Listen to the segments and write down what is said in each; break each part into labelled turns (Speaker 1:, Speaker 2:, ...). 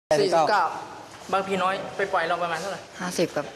Speaker 1: 49บางพีน้อยไปปล่อยเราประมาณเท่าไหร่
Speaker 2: 50ครับ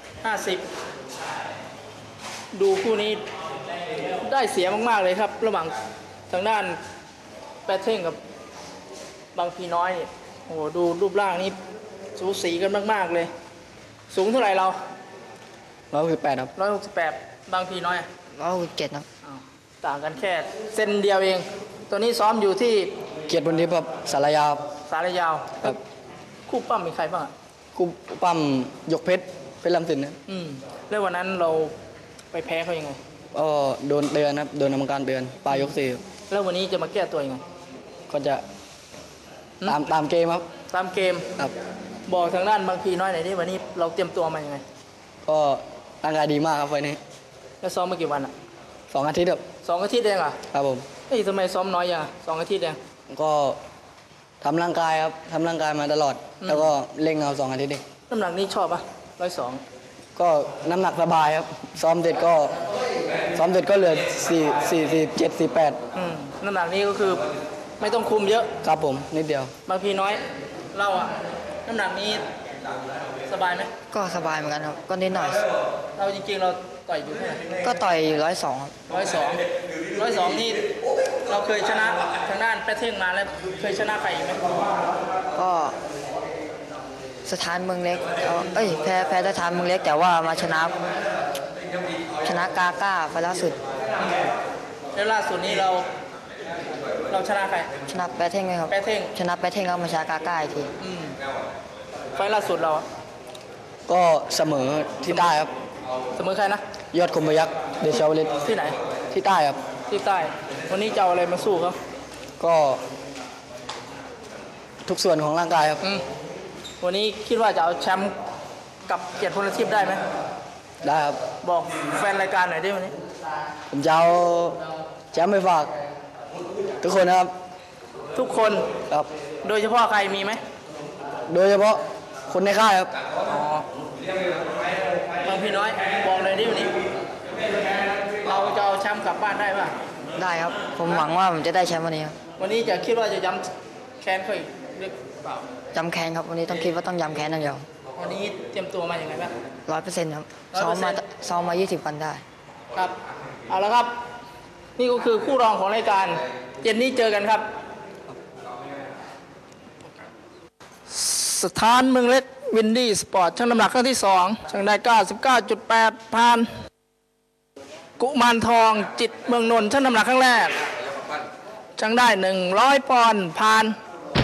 Speaker 1: 50ดูคู่นี้ได้เสียมากๆเลยครับระหว่างทางด้านแปดเท่งกับบางพีน้อยโอ้โหดูรูปร่างนี้สูสีกันมากๆเลยสูงเท่าไหร่เรา
Speaker 2: 168ครับ
Speaker 1: 168บางพีน้อย
Speaker 2: 167ครับ
Speaker 1: ต่างกันแค่เซนเดียวเองตัวนี้ซ้อมอยู่ที่
Speaker 2: เกียรติบุญทิพย์ครับสารยา
Speaker 1: สารยาว
Speaker 2: ครับ
Speaker 1: คู่ปั้มมีใครบ้าง
Speaker 2: คู่ปั้มยกเพชรลำสินนะ
Speaker 1: แล้ววันนั้นเราไปแพ้เขายังไง
Speaker 2: โดนเตือนครับโดนกรรมการเตือนปลายยก4
Speaker 1: แล้ววันนี้จะมาแก้ตัวยังไง
Speaker 2: ก็จะตามเกมครับ
Speaker 1: ตามเกม
Speaker 2: ครับ
Speaker 1: บอกทางด้านบางพีน้อยหน่อยดิวันนี้เราเตรียมตัวมายังไง
Speaker 2: ก็ร่างกายดีมากครับไฟนี้
Speaker 1: แล้วซ้อมมากี่วัน
Speaker 2: 2 อาทิตย์ครับ
Speaker 1: 2 อาทิตย์เอง
Speaker 2: ครับผม
Speaker 1: ทำไมซ้อมน้อยอย่าง2 อาทิตย์เอง
Speaker 2: ก็ทำร่างกายครับทำร่างกายมาตลอดแล้วก็เล่งเอา2 อาทิตย์เอง
Speaker 1: น้ำหนักนี้ชอบ102
Speaker 2: ก็น้ำหนักสบายครับซ้อมเสร็จก็เหลือ47 48
Speaker 1: น้ำหนักนี้ก็คือไม่ต้องคุมเยอะ
Speaker 2: ครับผมนิดเดียว
Speaker 1: บางพีน้อยเราน้ำหนักนี้สบายไหม
Speaker 2: ก็สบายเหมือนกันครับก็นิดหน่อย
Speaker 1: เราจริงๆเราต่อยอยู่เท่าไหร่
Speaker 2: ก็ต่อยอยู่102ครับ
Speaker 1: 102นี่เราเคยชนะทางด้านแปดเท่งมาแล้วเคยชนะใครไหม
Speaker 2: ก็สถานเมืองเล็กแพ้สถานเมืองเล็กแต่ว่ามาชนะกาก้าไปล่าสุด
Speaker 1: แล้วล่าสุดนี้เราชนะใคร
Speaker 2: ชนะแปดเท่งไหมครับ
Speaker 1: แปดเท่ง
Speaker 2: ชนะแปดเท่งแล้วมาชนะกาก้าอีกที
Speaker 1: ไฟล่าสุดเรา
Speaker 2: ก็เสมอที่ใต้ครับ
Speaker 1: เสมอใครนะ
Speaker 2: ยอดคมพยัคฆ์เดชาวลิต
Speaker 1: ที่ไหน
Speaker 2: ที่ใต้ครับ
Speaker 1: ที่ใต้วันนี้จะเอาอะไรมาสู้เขา
Speaker 2: ก็ทุกส่วนของร่างกายครับ
Speaker 1: วันนี้คิดว่าจะเอาแชมป์กับเกียรติพลทิพย์ได้ไหม
Speaker 2: ได้ครับ
Speaker 1: บอกแฟนรายการหน่อยดิวันนี้
Speaker 2: ผมจะเอาแชมป์ไปฝากทุกคนนะครับ
Speaker 1: ทุกคน
Speaker 2: ครับ
Speaker 1: โดยเฉพาะใครมีไหม
Speaker 2: โดยเฉพาะคนในค่ายครับ
Speaker 1: บางพี่น้อยบอกเลยดิวันนี้เราจะเอาแชมป์กลับบ้านได้ป่ะ
Speaker 2: ได้ครับผมหวังว่าผมจะได้แชมป์วันนี้ครับ
Speaker 1: วันนี้จะคิดว่าจะย้ำแค้นเขาอีกหรือเปล่า
Speaker 2: ย้ำแค้นครับวันนี้ต้องคิดว่าต้องย้ำแค้นอย่างเดียว
Speaker 1: วันนี้เตรียมตัวมาอย่างไรบ้าง
Speaker 2: 100%ครับซ้อมมา20 วันได้
Speaker 1: ครับเอาละครับนี่ก็คือคู่รองของรายการเย็นนี้เจอกันครับสถานเมืองเล็กวินดี้สปอร์ตชั่งน้ำหนักครั้งที่2ชั่งได้ 99.8 ผ่านกุมารทองจิตเมืองนนท์ชั่งน้ำหนักครั้งแรกชั่งได้100 ปอนด์ผ่าน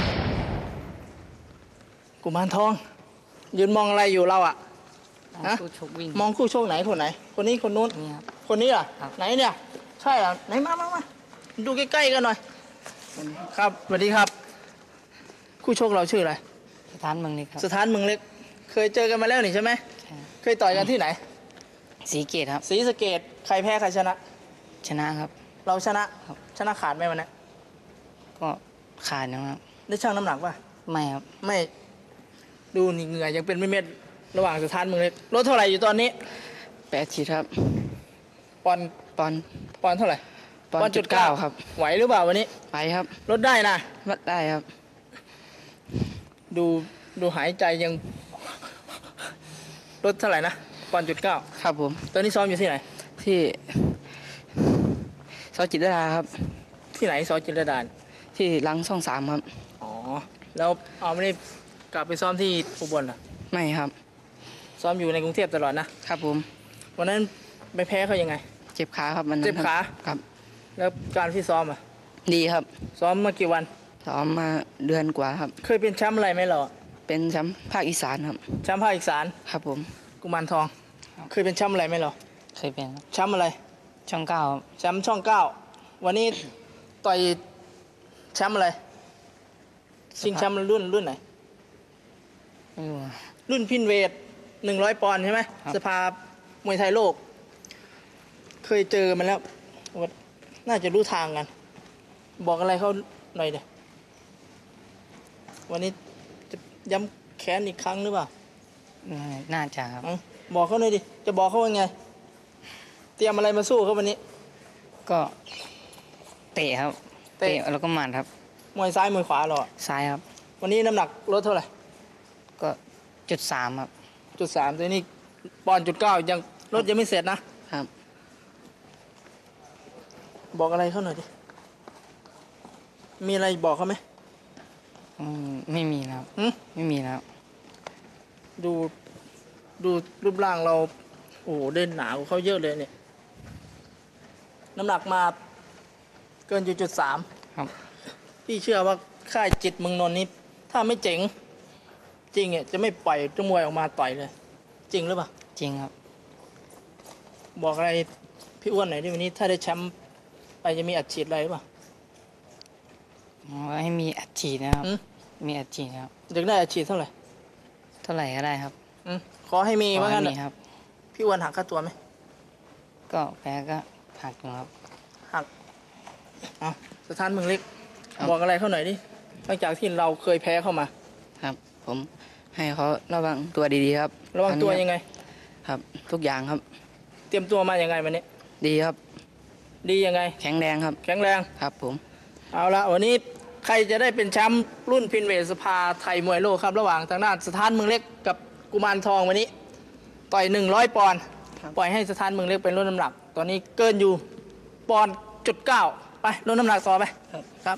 Speaker 1: กุมารทองยืนมองอะไรอยู่เรามองคู่ชกไหนคนไหนคนนี้คนนู้นคนนี้ไหนเนี่ยใช่ไหนมาดูใกล้ๆกันหน่อยครับสวัสดีครับคู่ชกเราชื่ออะไร
Speaker 2: สถานเมืองเล็กครับ
Speaker 1: สถานเมืองเล็กเคยเจอกันมาแล้วนี่ใช่ไหมเคยต่อยกันที่ไหน
Speaker 2: ศรีเกตครับ
Speaker 1: ศรีสะเกษใครแพ้ใครชนะ
Speaker 2: นะครับ
Speaker 1: เราชนะครับชนะขาดไหมวันนี้
Speaker 2: ก็ขาดนะครับ
Speaker 1: ได้ชั่งน้ำหนักป่ะ
Speaker 2: ไม่ครับ
Speaker 1: ไม่ดูนี่เหงื่อยังเป็นเม็ดระหว่างสถานเมืองเล็กลดเท่าไหร่อยู่ตอนนี้
Speaker 2: 8 ขีดครับ
Speaker 1: ปอนเท่าไหร่
Speaker 2: 1.9ครับ
Speaker 1: ไหวหรือเปล่าวันนี้
Speaker 2: ไปครับ
Speaker 1: ลดได้นะ
Speaker 2: ลดได้ครับ
Speaker 1: ดูหายใจยังลดเท่าไหร่นะ1.9
Speaker 2: ครับผม
Speaker 1: ตอนนี้ซ้อมอยู่ที่ไหน
Speaker 2: ที่ซอยจิตรดาครับ
Speaker 1: ที่ไหนซอยจิตรดา
Speaker 2: ที่รังช่อง3ครับ
Speaker 1: แล้วไม่ได้กลับไปซ้อมที่อุบลเหรอ
Speaker 2: ไม่ครับ
Speaker 1: ซ้อมอยู่ในกรุงเทพตลอด
Speaker 2: นะครับผม
Speaker 1: วันนั้นไปแพ้เขายังไง
Speaker 2: เจ็บขาครับมัน
Speaker 1: เจ็บขา
Speaker 2: ครับ
Speaker 1: แล้วการที่ซ้อม
Speaker 2: ดีครับ
Speaker 1: ซ้อมมากี่วัน
Speaker 2: ซ้อมมาเดือนกว่าครับ
Speaker 1: เคยเป็นแชมป์อะไรไหมเรา
Speaker 2: เป็นแชมป์ภาคอีสานครับ
Speaker 1: แชมป์ภาคอีสาน
Speaker 2: ครับผม
Speaker 1: กุมารทองเคยเป็นแชมป์อะไรไหมเรา
Speaker 2: เคยเป็น
Speaker 1: แชมป์อะไร
Speaker 2: ช่อง9
Speaker 1: แชมป์ช่อง9วันนี้ต่อยแชมป์อะไรชิงแชมป์รุ่นไหนรุ่นพินเวท100 ปอนด์ใช่ไหมสภามวยไทยโลกเคยเจอมันแล้วน่าจะรู้ทางกันบอกอะไรเขาหน่อยเดี๋ยววันนี้จะย้ำแค้นอีกครั้งหรือเปล่า
Speaker 2: น่าจะครับ
Speaker 1: บอกเขาหน่อยดิจะบอกเขาว่าไงเตรียมอะไรมาสู้เขาวันนี้
Speaker 2: ก็เตะครับเตะแล้วก็หมัดครับ
Speaker 1: มวยซ้ายมวยขวาหรอ
Speaker 2: ซ้ายครับ
Speaker 1: วันนี้น้ำหนักลดเท่าไหร่
Speaker 2: ก็จุด 3ครับ
Speaker 1: จุด 3ตัวนี้ปอนด์จุด 9ยังรถยังไม่เสร็จนะครับ บอกอะไรเขาหน่อยดิมีอะไรบอกเขาไหม
Speaker 2: ไม่มีแล้ว ไม่มีแล้ว
Speaker 1: ดูรูปร่างเราโอ้โหเด่นหนากว่าเขาเยอะเลยเนี่ยน้ำหนักมาเกินจุด 3
Speaker 2: ครับ
Speaker 1: พี่เชื่อว่าค่ายจิตเมืองนนท์นี้ถ้าไม่เจ๋งจริงจะไม่ปล่อยนักมวยออกมาต่อยเลย จริงหรือเปล่า
Speaker 2: จริงครับ
Speaker 1: บอกอะไรพี่อ้วนหน่อยดิวันนี้ถ้าได้แชมป์ไปจะมีอัดฉีดอะไรหรือเปล่า
Speaker 2: ให้มีอัดฉีดนะครับ
Speaker 1: อืม
Speaker 2: มีอัดฉีดครับ
Speaker 1: อยากได้อัดฉีดเท่าไหร่
Speaker 2: เท่าไหร่ก็ได้ครับ
Speaker 1: ขอให้มี
Speaker 2: ขอ
Speaker 1: ว่า
Speaker 2: ให้
Speaker 1: งั้น
Speaker 2: มี
Speaker 1: น่ะ
Speaker 2: ครับ
Speaker 1: พี่อ้วนหักค่าตัวไหม
Speaker 2: ก็แพ้ก็หักอยู่ครับ
Speaker 1: หักเอาสถานเมืองเล็ก
Speaker 2: ครับ
Speaker 1: บอกอะไรเขาหน่อยดิหลังจากที่เราเคยแพ้เข้ามา
Speaker 2: ครับ ผมให้เขาระวังตัวดีๆครับ
Speaker 1: ระวังตัวยังไง
Speaker 2: ครับ ทุกอย่างครับ
Speaker 1: เตรียมตัวมายังไงวันนี้
Speaker 2: ดีครับ
Speaker 1: ดียังไง
Speaker 2: แข็งแรงครับ
Speaker 1: แข็งแรง
Speaker 2: ครับผม
Speaker 1: เอาละวันนี้ใครจะได้เป็นแชมป์รุ่นพินเวทสภาไทยมวยโลกครับระหว่างทางด้านสถานเมืองเล็กกับกุมารทองวันนี้ ต่อย100 ปอนด์ปล่อยให้สถานเมืองเล็กเป็นรุ่นน้ำหนัก ตอนนี้เกินอยู่ปอนด์จุด 9ไปรุ่นน้ำหนักต่อไปครับ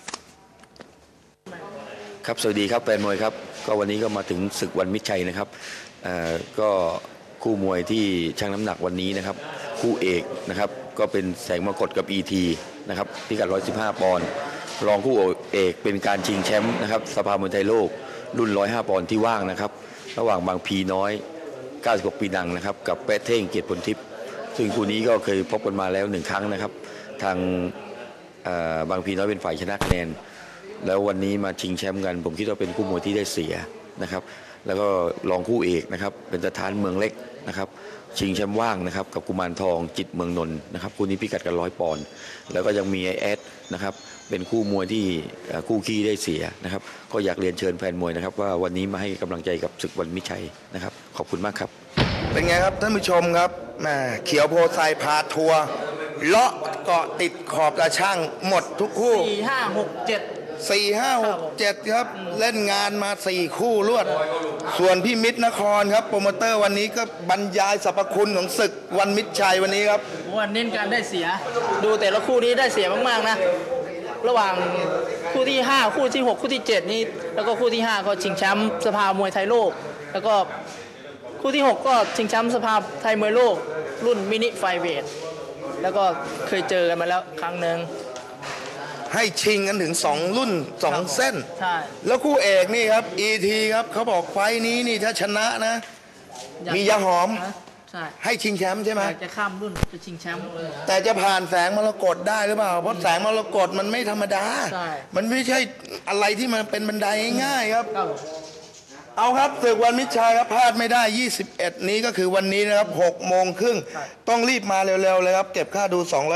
Speaker 3: ครับสวัสดีครับแฟนมวยครับก็วันนี้ก็มาถึงศึกวันมิตรชัยนะครับก็คู่มวยที่ชั่งน้ำหนักวันนี้นะครับคู่เอกนะครับก็เป็นแสงมรกตกับ ET นะครับพิกัด115 ปอนด์รองคู่เอกเป็นการชิงแชมป์นะครับสภามวยไทยโลกรุ่น105 ปอนด์ที่ว่างนะครับระหว่างบางพีน้อย96 ปีดังนะครับกับแปะเท่งเกียรติผลทิพย์ซึ่งคู่นี้ก็เคยพบกันมาแล้ว1 ครั้งนะครับทางบางพีน้อยเป็นฝ่ายชนะคะแนนแล้ววันนี้มาชิงแชมป์กันผมคิดว่าเป็นคู่มวยที่ได้เสียนะครับแล้วก็รองคู่เอกนะครับเป็นสถานเมืองเล็กนะครับชิงแชมป์ว่างนะครับกับกุมารทองจิตเมืองนนท์นะครับคู่นี้พิกัดกัน100 ปอนด์แล้วก็ยังมีไอแอดนะครับเป็นคู่มวยที่คู่ขี้ได้เสียนะครับก็อยากเรียนเชิญแฟนมวยนะครับว่าวันนี้มาให้กำลังใจกับศึกวันมิตรชัยนะครับขอบคุณมากครับ
Speaker 4: เป็นไงครับท่านผู้ชมครับแหมเขียวโพไซพาทัวร์เลาะเกาะติดขอบตาช่างหมดทุกคู่
Speaker 1: 4 5 6 7
Speaker 4: 4 5 6 7 ครับ เล่นงานมา 4 คู่รวด ส่วนพี่มิตรนครครับโปรโมเตอร์วันนี้ก็บรรยายสรรพคุณของศึกวันมิตรชัยวันนี้ครับ
Speaker 1: วันเน้นการได้เสีย ดูแต่ละคู่นี้ได้เสียมากๆนะ ระหว่างคู่ที่ 5 คู่ที่ 6 คู่ที่ 7 นี่แล้วก็คู่ที่ 5 ก็ชิงแชมป์สภามวยไทยโลก แล้วก็คู่ที่ 6 ก็ชิงแชมป์สภาไทยมวยโลก รุ่นมินิไฟเวทแล้วก็เคยเจอกันมาแล้วครั้งหนึ่ง
Speaker 4: ให้ชิงกันถึง 2 รุ่น 2 เส้น
Speaker 1: ใช่
Speaker 4: แล้วคู่เอกนี่ครับ ET ครับเขาบอกไฟท์นี้นี่ถ้าชนะนะ มียาหอม
Speaker 1: ใช่
Speaker 4: ให้ชิงแชมป์ใช่ไหม
Speaker 1: อยากจะข้ามรุ่นจะชิงแชมป์
Speaker 4: แต่จะผ่านแสงมรกตได้หรือเปล่า เพราะแสงมรกตมันไม่ธรรมดา
Speaker 1: ใช่
Speaker 4: มันไม่ใช่อะไรที่มันเป็นบันไดง่ายๆครับ
Speaker 1: ครับ
Speaker 4: เอาครับศึกวันมิตรชัยครับพลาดไม่ได้ 21 นี้ก็คือวันนี้นะครับ6 โมงครึ่งต้องรีบมาเร็วๆเลยครับ เก็บค่าดู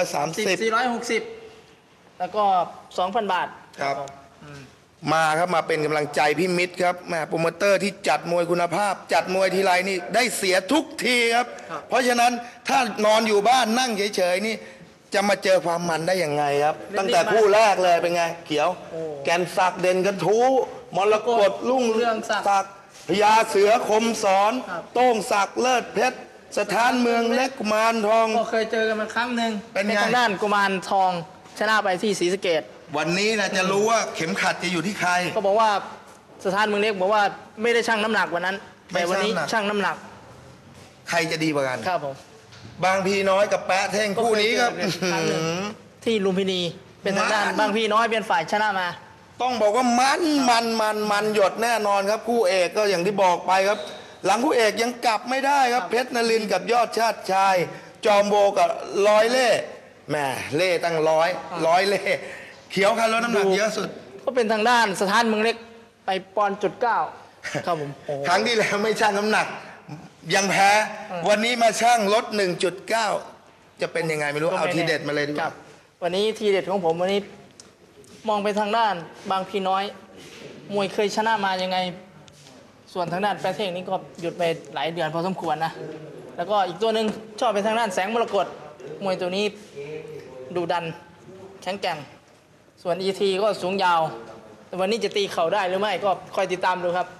Speaker 1: 460 แล้วก็ 2,000 บาท
Speaker 4: ครับ มาครับมาเป็นกำลังใจพี่มิตรครับแหม่โปรโมเตอร์ที่จัดมวยคุณภาพ จัดมวยทีไรนี่ได้เสียทุกทีครับ เพราะฉะนั้นถ้านอนอยู่บ้านนั่งเฉยๆนี่จะมาเจอความมันได้ยังไงครับ ตั้งแต่คู่แรกเลยเป็นไง เขียว แกนศักดิ์เด่นกระทู้มรกตรุ่งเรืองศักดิ์พญาเสือคมสอน โต้งศักดิ์เลิศเพชรสถานเมืองเล็กกุมารทอง
Speaker 1: ก็เคยเจอกันมาครั้งหนึ่ง
Speaker 4: เป็นไง
Speaker 1: ทางด้านกุมารทองชนะไปที่ศรีสะเกษ
Speaker 4: วันนี้นะจะรู้ว่าเข็มขัดจะอยู่ที่ใคร
Speaker 1: ก็บอกว่าสถานเมืองเล็กบอกว่าไม่ได้ชั่งน้ำหนักวันนั้น
Speaker 4: ไม่
Speaker 1: แต่วันนี้
Speaker 4: ชั่งน้ำหนัก
Speaker 1: ชั่งน้ำหนัก
Speaker 4: ใครจะดีกว่ากัน
Speaker 1: ครับผม
Speaker 4: บางพีน้อยกับแปะเท่งคู่นี้ครับ
Speaker 1: ก็เคยเจอกันครั้งหนึ่ง ที่ลุมพินีเป็นทางด้าน
Speaker 4: มัน
Speaker 1: บางพี่น้อยเป็นฝ่ายชนะมา
Speaker 4: ต้องบอกว่ามันหยดแน่นอนครับคู่เอกก็อย่างที่บอกไปครับ หลังคู่เอกยังกลับไม่ได้ครับเพชรนรินทร์กับยอดชาติชาย จอมโบกับร้อยเล่แหมเล่ตั้งร้อยเล่เขียวคันลดน้ำหนักเยอะสุด
Speaker 1: ก็เป็นทางด้านสถานเมืองเล็กไปปอนด์จุด 9ครับผมโอ้โห
Speaker 4: ครั้งที่แล้วไม่ชั่งน้ำหนัก ยังแพ้ วันนี้มาชั่งลด 1.9 จะเป็นยังไงไม่รู้ เอาทีเด็ดมาเลยดีก
Speaker 1: ครั
Speaker 4: ว่า
Speaker 1: บวันนี้ทีเด็ดของผมวันนี้มองไปทางด้านบางพี่น้อย มวยเคยชนะมายังไง ส่วนทางด้านแปรเท่งนี้ก็หยุดไปหลายเดือนพอสมควรนะ แล้วก็อีกตัวหนึ่งชอบไปทางด้านแสงมรกตมวยตัวนี้ดูดันแข็งแกร่ง ส่วน ET ก็สูงยาวแต่วันนี้จะตีเข่าได้หรือไม่ก็คอยติดตามดูครับ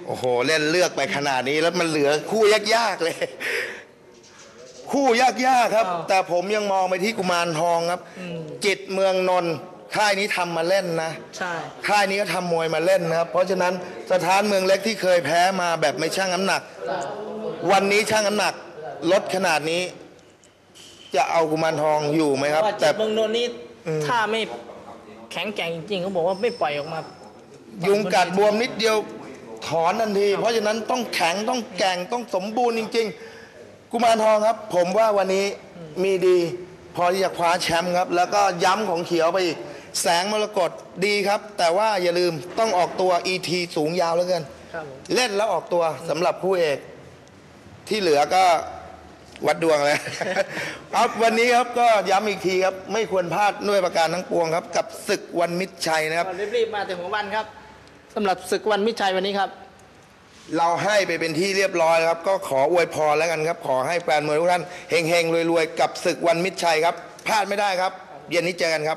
Speaker 4: โอ้โหเล่นเลือกไปขนาดนี้แล้วมันเหลือคู่ยากๆเลย คู่ยากๆครับ แต่ผมยังมองไปที่กุมารทองครับ จิตเมืองนนท์ค่ายนี้ทำมาเล่นนะ
Speaker 1: ใช่
Speaker 4: ค่ายนี้ก็ทำมวยมาเล่นนะครับ เพราะฉะนั้นสถานเมืองเล็กที่เคยแพ้มาแบบไม่ชั่งน้ำหนัก วันนี้ชั่งน้ำหนักลดขนาดนี้ จะเอากุมารทองอยู่ไหมครับ
Speaker 1: ว่าจิ
Speaker 4: แต่
Speaker 1: ตเมืองนนท์นี่ถ้าไม่แข็งแกร่งจริงๆเขาบอกว่าไม่ปล่อยออกมา
Speaker 4: ยุงกัดบวมนิดเดียวถอนทันที เพราะฉะนั้นต้องแข็งต้องแกร่งต้องสมบูรณ์จริง ๆ กุมารทองครับ ผมว่าวันนี้มีดีพอที่จะคว้าแชมป์ครับ แล้วก็ย้ำของเขียวไปอีกแสงมรกตดีครับ แต่ว่าอย่าลืมต้องออกตัว ET สูงยาวเหลือเกิน
Speaker 1: ครับผม
Speaker 4: เล่นแล้วออกตัวสำหรับคู่เอกที่เหลือก็วัดดวงเลย ครับวันนี้ครับก็ย้ำอีกทีครับ ไม่ควรพลาดด้วยประการทั้งปวงครับ กับศึกวันมิตรชัยนะครับ
Speaker 1: ก็รีบๆมาแต่หัววันครับสำหรับศึกวันมิตรชัยวันนี้ครับ
Speaker 4: เราให้ไปเป็นที่เรียบร้อยแล้วครับ ก็ขออวยพรแล้วกันครับ ขอให้แฟนมวยทุกท่านเฮงๆรวยๆกับศึกวันมิตรชัยครับพลาดไม่ได้ครับ เย็นนี้เจอกันครับ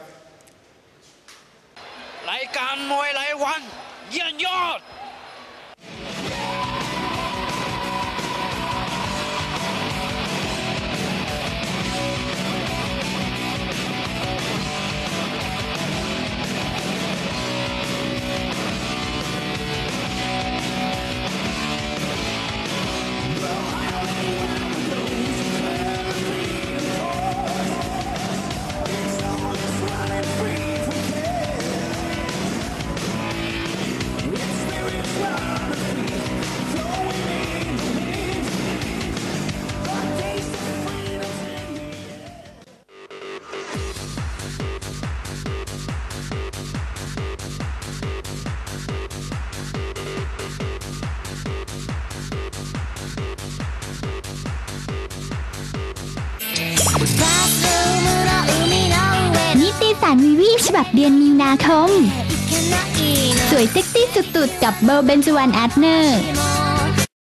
Speaker 5: รายการมวยรายวันเยี่ยมยอด
Speaker 6: นิตยสารวีวีฉบับเดือนมีนาคม สวยเซ็กซี่สุดๆกับเบลเบนจวันอาร์เนอร์